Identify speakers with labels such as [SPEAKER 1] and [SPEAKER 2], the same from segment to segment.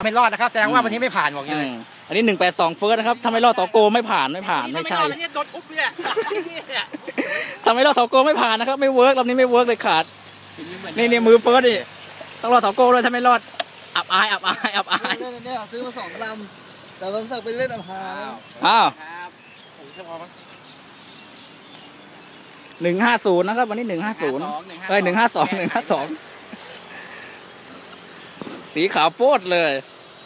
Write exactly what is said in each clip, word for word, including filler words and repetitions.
[SPEAKER 1] ไม่รอดนะครับแสดงว่าวันนี้ไม่ผ่านบอกเลย
[SPEAKER 2] อันนี้หนึ่งแปดสองเฟิร์สนะครับถ้าไม่รอดสโกไม่ผ่านไม่ผ่านไม่ใช่
[SPEAKER 1] โดนทุบเนี่ย
[SPEAKER 2] ถ้าไม่รอดสโกไม่ผ่านนะครับไม่เวิร์กรอบนี้ไม่เวิร์กเลยขาดนี่นี่มือเฟิร์สดิต้องรอดสโกด้วยถ้าไม่รอดอับอายอับอายอับอาย
[SPEAKER 3] เนี่ยซื้อมาสองลำแต่บางสักไปเล่นอับอาย
[SPEAKER 2] อ้าวหนึ่งห้าศูนย์นะครับวันนี้หนึ่งห้าศูนย์เอ้ยหนึ่งห้าสองหนึ่งห้าสองสีขาวโพดเลย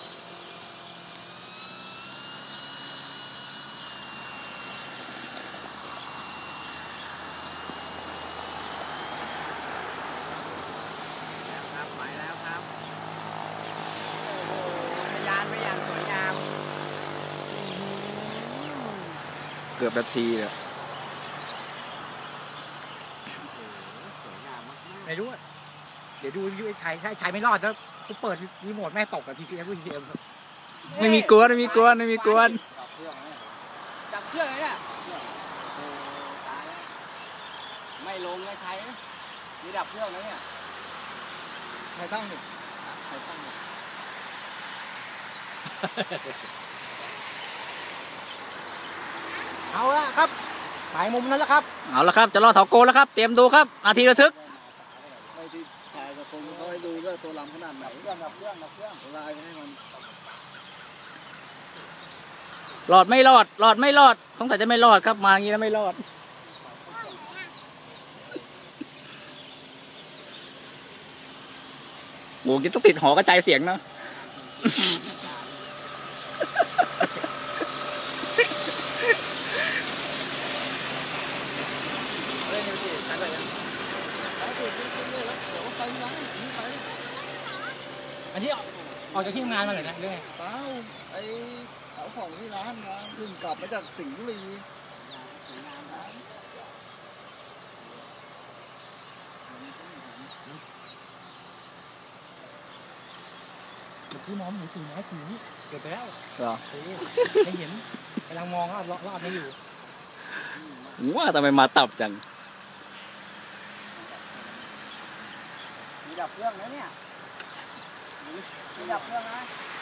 [SPEAKER 2] เกือบนาทีเลย
[SPEAKER 1] ไม่รู้เดี๋ยวดูยูไอ้ไทยถ้าไทยไม่รอดแล้วกูเปิดรีโมทแม่ตกกับพีซีเอฟพีซีเอ็ม
[SPEAKER 2] ไม่มีกวนไม่มีกวนไม่มีกวน
[SPEAKER 4] ดับเครื่องเลยเนี่ยไม่ลงเลยใครมีดับเครื่องแล้วเนี่ย
[SPEAKER 3] ใครตั้งหนึ่ง
[SPEAKER 4] ใครตั้ง
[SPEAKER 1] เอาละครับถ่ายมุมนั้นแล้วครับ
[SPEAKER 2] เอาละครับจะรอเสาโกแล้วครับเตรียมดูครับนาทีระทึก
[SPEAKER 3] ไม่ที่ถ่ายกับคนเขาให้ดูว่าตัวลำขนาดไหน
[SPEAKER 4] เครื่องดับเครื่องดับเครื่อง
[SPEAKER 3] ลายไปให้มัน
[SPEAKER 2] รอดไม่รอดรอดไม่รอดสงสัยจะไม่รอดครับมาอย่างนี้แล้วไม่รอดโอ้ยต้องติดหอกระจายเสียงนะ
[SPEAKER 1] อันนี้ออกจากที่ทำงานมาเลยนะเรื่องไง
[SPEAKER 3] เปล่าไอ้เอาของที่ร้านมาขึ้นกลับมาจากสิงห์บุรี
[SPEAKER 1] ที่มองเห็นจริงไหมจริงนี่เกิดไปแล้ว
[SPEAKER 2] เหรอ
[SPEAKER 1] ไม่เห็นกำลังมองรอบรอบนี้อยู่
[SPEAKER 2] ว่าทำไมมาตับจัง
[SPEAKER 4] มีดับเครื่องนะเนี่ยมีดับเครื่องนะ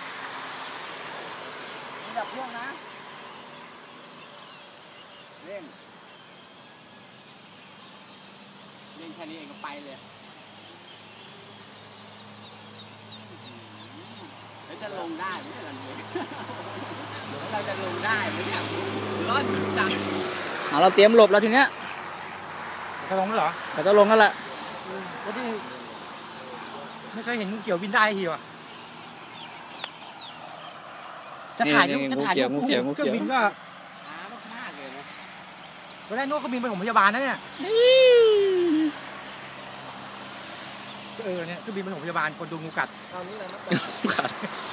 [SPEAKER 4] มีดับเครื่องนะเล่นเล่นแค่นี้เองก็ไปเลยแล้วจะลงได้ไหมล่ะเนี่ยเราจะลงได้ไหมเนี่ยร้อนจัง
[SPEAKER 2] เอาเราเตรียมหลบแล้วทีเนี้ย
[SPEAKER 1] จะลงแล้วเหรอ
[SPEAKER 2] จะลงนั่นแหละ
[SPEAKER 1] ก็ที่ไม่เคยเห็นงูเขียวบินได้ทีวะจะถ่ายจะถ่ายงูเขียวงูเขียวบินว่า
[SPEAKER 4] ช้ามากๆเลยนะ
[SPEAKER 1] ตอนแรกนู้นเขาบินไปผมพยาบาลนะเนี่ยเออเนี่ยคือบินไปผมพยาบาลคนดูงูกัด
[SPEAKER 3] ตอนนี้อะไรนะ
[SPEAKER 2] กัด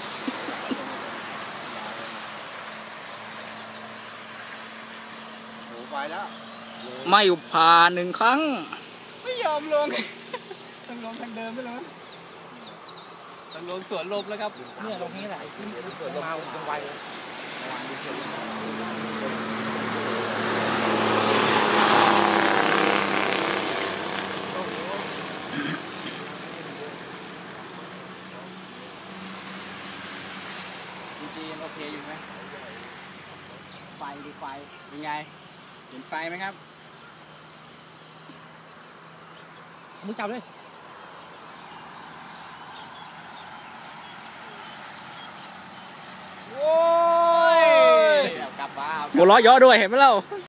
[SPEAKER 3] โอ้ไปแล้ว
[SPEAKER 2] ไม่ผ่านหนึ่งครั้ง
[SPEAKER 4] ไม่ยอมลงต้องลงทางเดิมไปเลยต้องลงสวนลมแล้วครับ
[SPEAKER 1] เนี่ยตรงนี้แหละขึ้นสวนลมมาตรงไว
[SPEAKER 4] จีนโอเคอยู่ไหมไฟดูไฟเป็นไงเห็นไฟไหมครับ
[SPEAKER 1] มึงจับเลย
[SPEAKER 4] โอ้ยกลับมา
[SPEAKER 2] หัวเราะเยาะด้วยเห็นไหมเล่า